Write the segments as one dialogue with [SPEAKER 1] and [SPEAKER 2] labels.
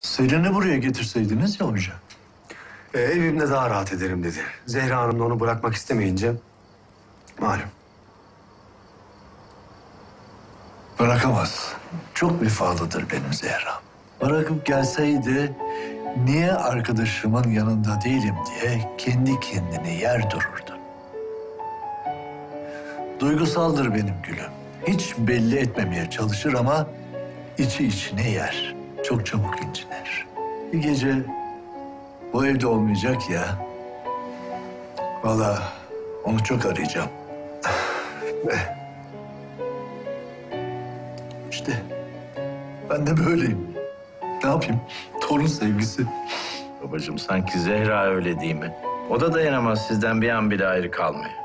[SPEAKER 1] Selin'i buraya getirseydiniz ya hoca.
[SPEAKER 2] Evimde daha rahat ederim dedi. Zehra Hanım da onu bırakmak istemeyince malum.
[SPEAKER 1] Bırakamaz. Çok vefalıdır benim Zehra. Bırakıp gelseydi niye arkadaşımın yanında değilim diye kendi kendine yer dururdu. Duygusaldır benim gülüm. Hiç belli etmemeye çalışır ama içi içine yer. Çok çabuk incinir. Bir gece bu evde olmayacak ya. Vallahi onu çok arayacağım. İşte ben de böyleyim. Ne yapayım? Torun sevgisi.
[SPEAKER 3] Babacığım sanki Zehra öyle değil mi? O da dayanamaz sizden bir an bile ayrı kalmaya.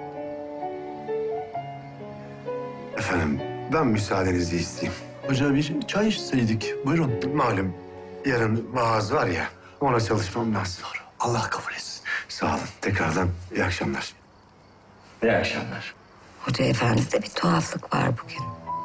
[SPEAKER 2] Efendim, ben müsaadenizi isteyeyim.
[SPEAKER 1] Hoca bir çay içseydik. Buyurun.
[SPEAKER 2] Malum yarın vaaz var ya, ona çalışmam lazım.
[SPEAKER 1] Allah kabul etsin.
[SPEAKER 2] Sağ olun. Tekrardan iyi akşamlar.
[SPEAKER 3] İyi akşamlar.
[SPEAKER 4] Hoca efendide bir tuhaflık var bugün.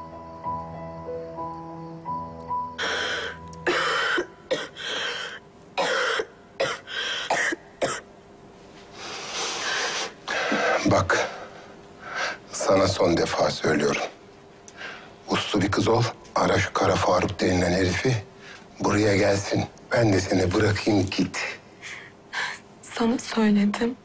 [SPEAKER 5] Bak, sana son defa söylüyorum. Uslu bir kız ol, ara şu Kara Faruk denilen herifi. Buraya gelsin, ben de seni bırakayım git.
[SPEAKER 6] Sana söyledim.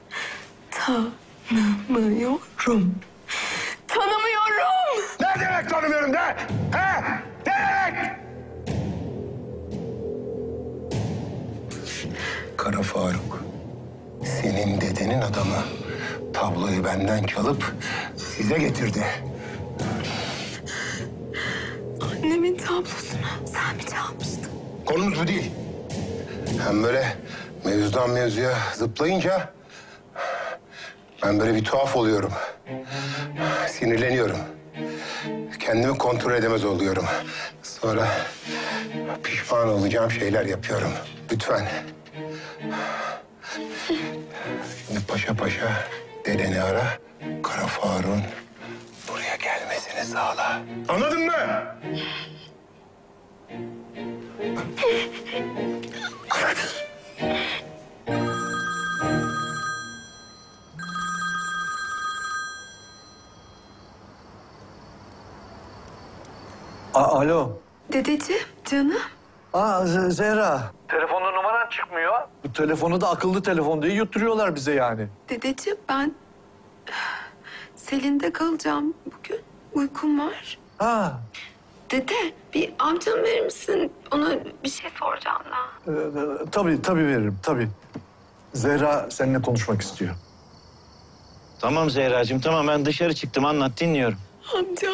[SPEAKER 6] Tanımıyorum. Tanımıyorum.
[SPEAKER 5] Ne demek tanımıyorum de? He? Ne demek? Kara Faruk, senin dedenin adamı. Tabloyu benden çalıp size getirdi.
[SPEAKER 6] Annemin tablosunu sen mi çalmıştın?
[SPEAKER 5] Konumuz bu değil. Hem böyle mevzudan mevzuya zıplayınca ben böyle bir tuhaf oluyorum. Sinirleniyorum. Kendimi kontrol edemez oluyorum. Sonra pişman olacağım şeyler yapıyorum. Lütfen. Şimdi paşa paşa dedeni ara. Kara Faruk'un buraya gelmesini sağla. Anladın mı?
[SPEAKER 1] Alo.
[SPEAKER 6] Dedeciğim, canım.
[SPEAKER 1] Zehra. Telefonda numaran çıkmıyor. Bu telefonu da akıllı telefon diye yutturuyorlar bize yani.
[SPEAKER 6] Dedeciğim ben Selin'de kalacağım bugün. Uykum var.
[SPEAKER 1] Ha.
[SPEAKER 6] Dede bir amcam verir misin? Ona bir şey soracağım da.
[SPEAKER 1] Tabii veririm tabii. Zehra seninle konuşmak istiyor.
[SPEAKER 3] Tamam Zehracığım tamam ben dışarı çıktım anlat dinliyorum.
[SPEAKER 6] Amca.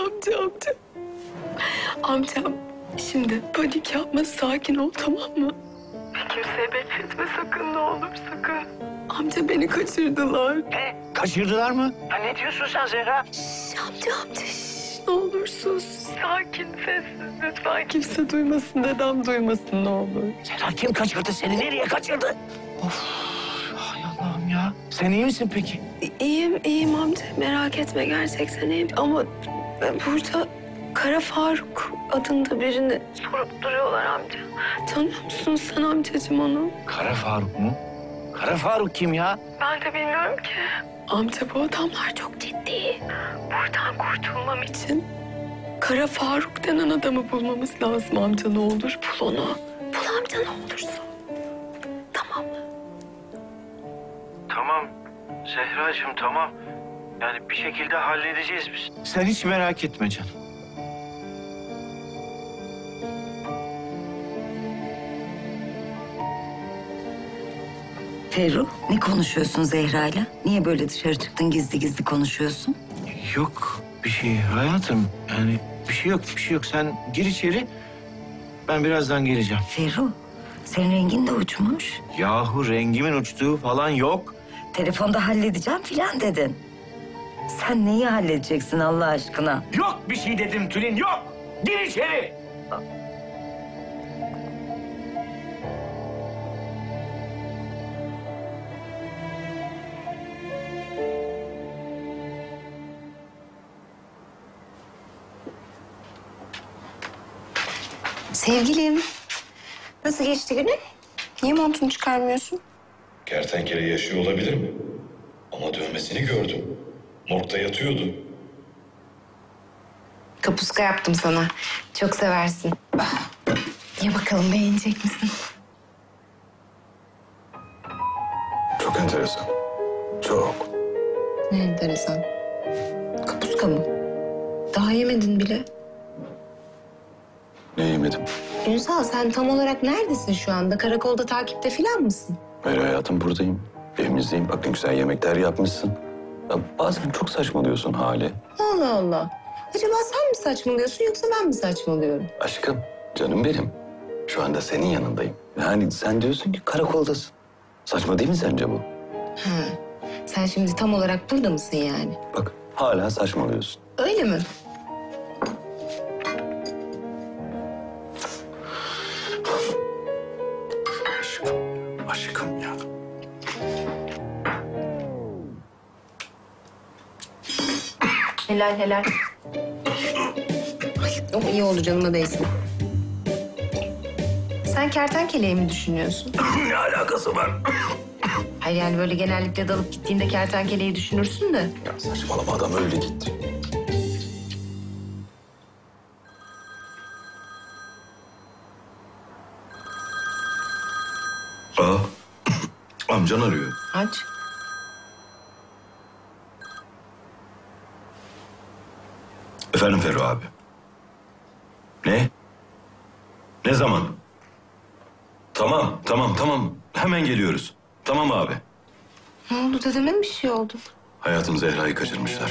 [SPEAKER 6] Amcam şimdi panik yapma, sakin ol, tamam mı? Kimseye bekletme sakın, ne olur sakın. Amca beni kaçırdılar.
[SPEAKER 3] Kaçırdılar mı? Ha, ne diyorsun sen Zehra?
[SPEAKER 6] Amca ne olur sus. Sakin, sessiz lütfen. Kimse duymasın, dedem duymasın ne olur.
[SPEAKER 3] Zehra kim kaçırdı seni? Nereye kaçırdı? Of hay Allah'ım ya. Sen iyi misin peki?
[SPEAKER 6] İyiyim amca. Merak etme, gerçekten iyiyim. Ama burada Kara Faruk adında birini sorup duruyorlar amca. Tanıyor musun sen amcacığım onu?
[SPEAKER 3] Kara Faruk mu? Kara Faruk kim ya?
[SPEAKER 6] Ben de bilmiyorum ki. Amca bu adamlar çok ciddi. Buradan kurtulmam için Kara Faruk denen adamı bulmamız lazım amca, ne olur. Bul onu. Bul amca ne olursa. Tamam mı?
[SPEAKER 3] Tamam Zehracığım tamam. Yani bir şekilde halledeceğiz biz. Sen hiç merak etme canım.
[SPEAKER 4] Ferruh, ne konuşuyorsun Zehra'yla? Niye böyle dışarı çıktın gizli gizli konuşuyorsun?
[SPEAKER 3] Yok bir şey hayatım. Yani bir şey yok. Sen gir içeri. Ben birazdan geleceğim.
[SPEAKER 4] Ferruh, senin rengin de uçmuş.
[SPEAKER 3] Yahu rengimin uçtuğu falan yok.
[SPEAKER 4] Telefonda halledeceğim filan dedin. Sen neyi halledeceksin Allah aşkına?
[SPEAKER 3] Yok bir şey dedim Tülin yok. Gir içeri.
[SPEAKER 4] Sevgilim,
[SPEAKER 6] Nasıl geçti günün? Niye montunu çıkarmıyorsun?
[SPEAKER 7] Kertenkele yaşıyor olabilir mi? Ama dövmesini gördüm. Morgda yatıyordu.
[SPEAKER 6] Kapuska yaptım sana. Çok seversin. Ya bakalım beğenecek misin?
[SPEAKER 7] Çok enteresan. Çok.
[SPEAKER 6] Ne enteresan. Kapuska mı? Daha yemedin bile.
[SPEAKER 7] Ne yemedim?
[SPEAKER 6] Ünsal sen tam olarak neredesin şu anda? Karakolda takipte falan mısın?
[SPEAKER 7] Hayır hayatım, buradayım. Evimizdeyim. Bak ne güzel yemekler yapmışsın. Ya bazen çok saçmalıyorsun Hale.
[SPEAKER 6] Allah Allah. Acaba sen mi saçmalıyorsun yoksa ben mi saçmalıyorum?
[SPEAKER 7] Aşkım, canım benim. Şu anda senin yanındayım. Yani sen diyorsun ki karakoldasın. Saçma değil mi sence bu?
[SPEAKER 6] Ha. Sen şimdi tam olarak burada mısın yani?
[SPEAKER 7] Bak hala saçmalıyorsun.
[SPEAKER 6] Öyle mi?
[SPEAKER 7] Aşkım ya.
[SPEAKER 6] Helal helal. Ay, o iyi oldu canıma değsin. Sen kertenkeleyi mi düşünüyorsun?
[SPEAKER 7] Ne alakası var?
[SPEAKER 6] Hayır yani böyle genellikle dalıp gittiğinde kertenkeleyi düşünürsün de.
[SPEAKER 7] Ya saçmalama, adam öyle gitti. Aa, amcan arıyor.
[SPEAKER 6] Aç.
[SPEAKER 7] Efendim Ferru abi. Ne? Ne zaman? Tamam. Hemen geliyoruz. Tamam abi.
[SPEAKER 6] Ne oldu dedeme mi bir şey oldu?
[SPEAKER 7] Hayatım, Zehra'yı kaçırmışlar.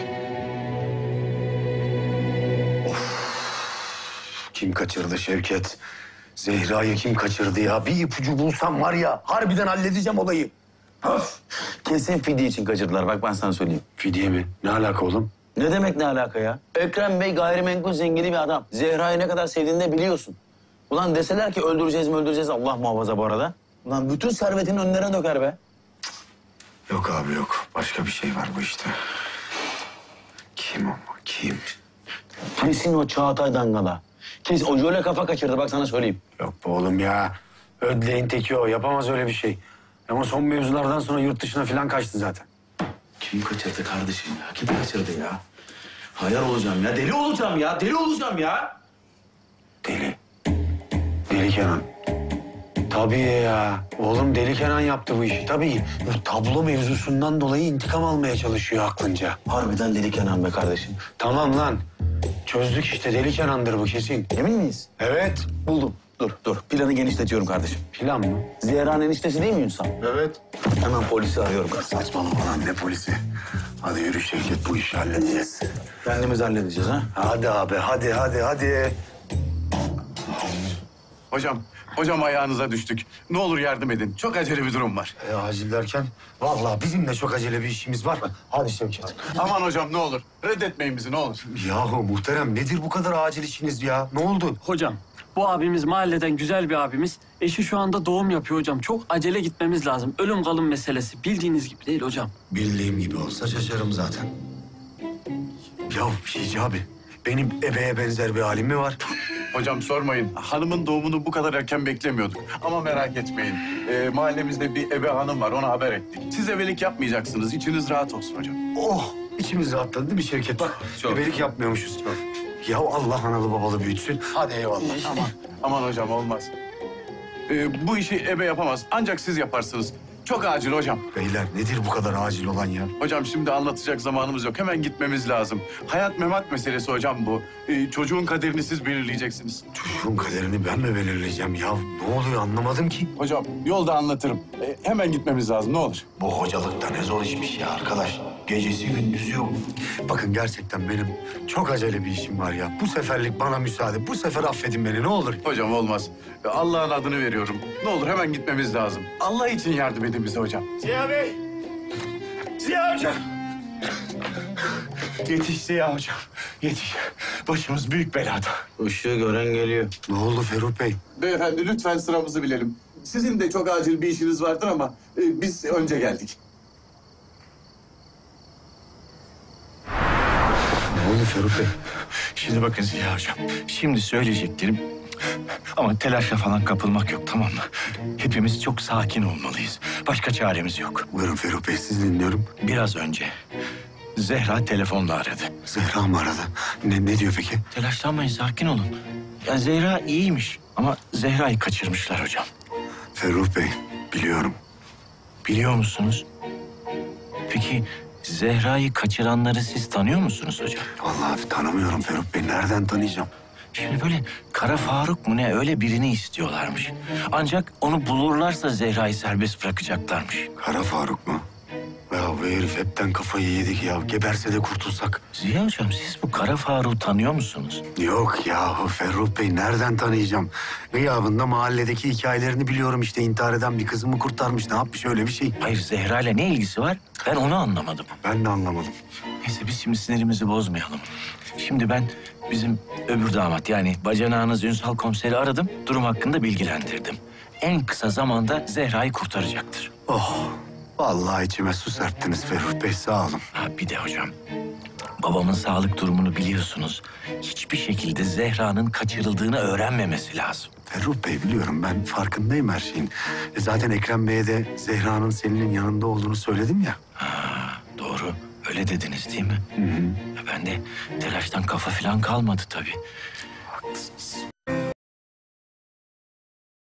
[SPEAKER 2] Kim kaçırdı Şevket? Zehra'yı kim kaçırdı ya? Bir ipucu bulsam var ya, harbiden halledeceğim olayı. Öf!
[SPEAKER 8] Kesin fidye için kaçırdılar. Bak ben sana söyleyeyim.
[SPEAKER 2] Fidye mi? Ne alaka oğlum?
[SPEAKER 8] Ne demek ne alaka ya? Ekrem Bey gayrimenkul zengini bir adam. Zehra'yı ne kadar sevdiğini de biliyorsun. Ulan deseler ki öldüreceğiz Allah muhafaza bu arada. Ulan bütün servetini önlerine döker be.
[SPEAKER 2] Yok abi yok. Başka bir şey var bu işte. Kim o? Kim?
[SPEAKER 8] Kesin o Çağatay Dangala. Kesin o jöle kafa kaçırdı bak sana söyleyeyim.
[SPEAKER 2] Yok be oğlum ya. Ödleğin teki o. Yapamaz öyle bir şey. Ama son mevzulardan sonra yurt dışına falan kaçtı zaten.
[SPEAKER 8] Kim kaçırdı kardeşim ya? Kim kaçırdı ya? Hayal olacağım ya. Deli olacağım ya. Deli olacağım ya.
[SPEAKER 2] Deli. Deli Kenan. Tabii ya. Oğlum Deli Kenan yaptı bu işi. Tabii. Bu tablo mevzusundan dolayı intikam almaya çalışıyor aklınca.
[SPEAKER 8] Harbiden Deli Kenan be kardeşim.
[SPEAKER 2] Tamam lan. Çözdük işte. Deli Kenan'dır bu kesin.
[SPEAKER 8] Emin miyiz?
[SPEAKER 2] Evet.
[SPEAKER 8] Buldum. Dur. Planı genişletiyorum kardeşim.
[SPEAKER 2] Plan mı?
[SPEAKER 8] Zehra'nın eniştesi değil mi Ünsal?
[SPEAKER 2] Evet.
[SPEAKER 8] Hemen polisi arıyorum.
[SPEAKER 2] Saçmalama lan, ne polisi? Hadi yürü Şevket, bu işi halledeceğiz.
[SPEAKER 8] Kendimiz halledeceğiz ha.
[SPEAKER 2] Hadi abi, hadi.
[SPEAKER 9] Hocam ayağınıza düştük. Ne olur yardım edin. Çok acele bir durum var.
[SPEAKER 2] Acil derken, vallahi bizim de çok acele bir işimiz var. Hadi Şevket.
[SPEAKER 9] Aman hocam ne olur. Reddetmeyin bizi ne olur.
[SPEAKER 2] Yahu muhterem, nedir bu kadar acil işiniz ya? Ne oldu?
[SPEAKER 10] Hocam, bu abimiz mahalleden güzel bir abimiz. Eşi şu anda doğum yapıyor hocam. Çok acele gitmemiz lazım. Ölüm kalım meselesi. Bildiğiniz gibi değil hocam.
[SPEAKER 2] Bildiğim gibi olsa şaşarım zaten. Ya Şici abi, benim ebeye benzer bir halim mi var?
[SPEAKER 9] Hocam sormayın. Hanımın doğumunu bu kadar erken beklemiyorduk. Ama merak etmeyin. Mahallemizde bir ebe hanım var. Ona haber ettik. Siz ebelik yapmayacaksınız. İçiniz rahat olsun hocam.
[SPEAKER 2] Oh, içimiz rahatladı değil mi Şevket? Bak, ebelik yapmıyormuşuz. Ya Allah analı babalı büyütsün.
[SPEAKER 9] Hadi eyvallah. Aman hocam olmaz. Bu işi ebe yapamaz. Ancak siz yaparsınız. Çok acil hocam.
[SPEAKER 2] Beyler nedir bu kadar acil olan ya?
[SPEAKER 9] Hocam şimdi anlatacak zamanımız yok. Hemen gitmemiz lazım. Hayat memat meselesi hocam bu. Çocuğun kaderini siz belirleyeceksiniz.
[SPEAKER 2] Çocuğun kaderini ben mi belirleyeceğim ya? Ne oluyor anlamadım ki.
[SPEAKER 9] Hocam yolda anlatırım. Hemen gitmemiz lazım ne olur.
[SPEAKER 2] Bu hocalıkta ne zor işmiş ya arkadaş. Gecesi gündüzü yok. Bakın gerçekten benim çok acele bir işim var ya. Bu seferlik bana müsaade. Bu sefer affedin beni ne olur.
[SPEAKER 9] Hocam olmaz. Allah'ın adını veriyorum. Ne olur hemen gitmemiz lazım. Allah için yardım edin bize hocam.
[SPEAKER 2] Ziya Bey! Ziya Hocam!
[SPEAKER 9] Yetiş Ziya hocam. Yetiş. Başımız büyük belada.
[SPEAKER 8] Işığı gören geliyor.
[SPEAKER 2] Ne oldu Ferruh Bey?
[SPEAKER 9] Beyefendi lütfen sıramızı bilelim. Sizin de çok acil bir işiniz vardır ama biz önce geldik.
[SPEAKER 2] Ne oldu Ferruh Bey?
[SPEAKER 3] Şimdi bakın Ziya Hocam. Şimdi söyleyeceklerim Ama telaşla falan kapılmak yok, tamam mı? Hepimiz çok sakin olmalıyız. Başka çaremiz yok.
[SPEAKER 2] Buyurun Ferruh Bey, siz dinliyorum.
[SPEAKER 3] Biraz önce Zehra telefonla aradı.
[SPEAKER 2] Zehra mı aradı? Ne diyor peki?
[SPEAKER 3] Telaşlanmayın, sakin olun. Ya Zehra iyiymiş ama Zehra'yı kaçırmışlar hocam.
[SPEAKER 2] Ferruh Bey, biliyorum.
[SPEAKER 3] Biliyor musunuz? Peki Zehra'yı kaçıranları siz tanıyor musunuz hocam?
[SPEAKER 2] Vallahi tanımıyorum Ferruh Bey. Nereden tanıyacağım?
[SPEAKER 3] Şimdi böyle Kara Faruk mu ne öyle birini istiyorlarmış. Ancak onu bulurlarsa Zehra'yı serbest bırakacaklarmış.
[SPEAKER 2] Kara Faruk mu? Ya bu herif hepten kafayı yedik ya. Geberse de kurtulsak.
[SPEAKER 3] Ziya hocam siz bu Kara Faruk'u tanıyor musunuz?
[SPEAKER 2] Yok yahu Ferruh Bey, nereden tanıyacağım? Gıyabında mahalledeki hikayelerini biliyorum işte. İntihar eden bir kızımı kurtarmış. Ne yapmış, öyle bir şey?
[SPEAKER 3] Hayır, Zehra ile ne ilgisi var? Ben onu anlamadım.
[SPEAKER 2] Ben de anlamadım.
[SPEAKER 3] Neyse biz şimdi sinirimizi bozmayalım. Şimdi ben bizim öbür damat yani bacanağınız Ünsal komiseri aradım. Durum hakkında bilgilendirdim. En kısa zamanda Zehra'yı kurtaracaktır.
[SPEAKER 2] Oh, vallahi içime su serptiniz Ferruh Bey, sağ olun.
[SPEAKER 3] Ha, bir de hocam babamın sağlık durumunu biliyorsunuz. Hiçbir şekilde Zehra'nın kaçırıldığını öğrenmemesi lazım.
[SPEAKER 2] Ferruh Bey, biliyorum, ben farkındayım her şeyin. Zaten Ekrem Bey'e de Zehra'nın senin yanında olduğunu söyledim ya.
[SPEAKER 3] Ha, doğru. Öyle dediniz değil mi?
[SPEAKER 2] Hı hı.
[SPEAKER 3] Ya ben de telaştan kafa falan kalmadı tabii.
[SPEAKER 2] Haklısınız.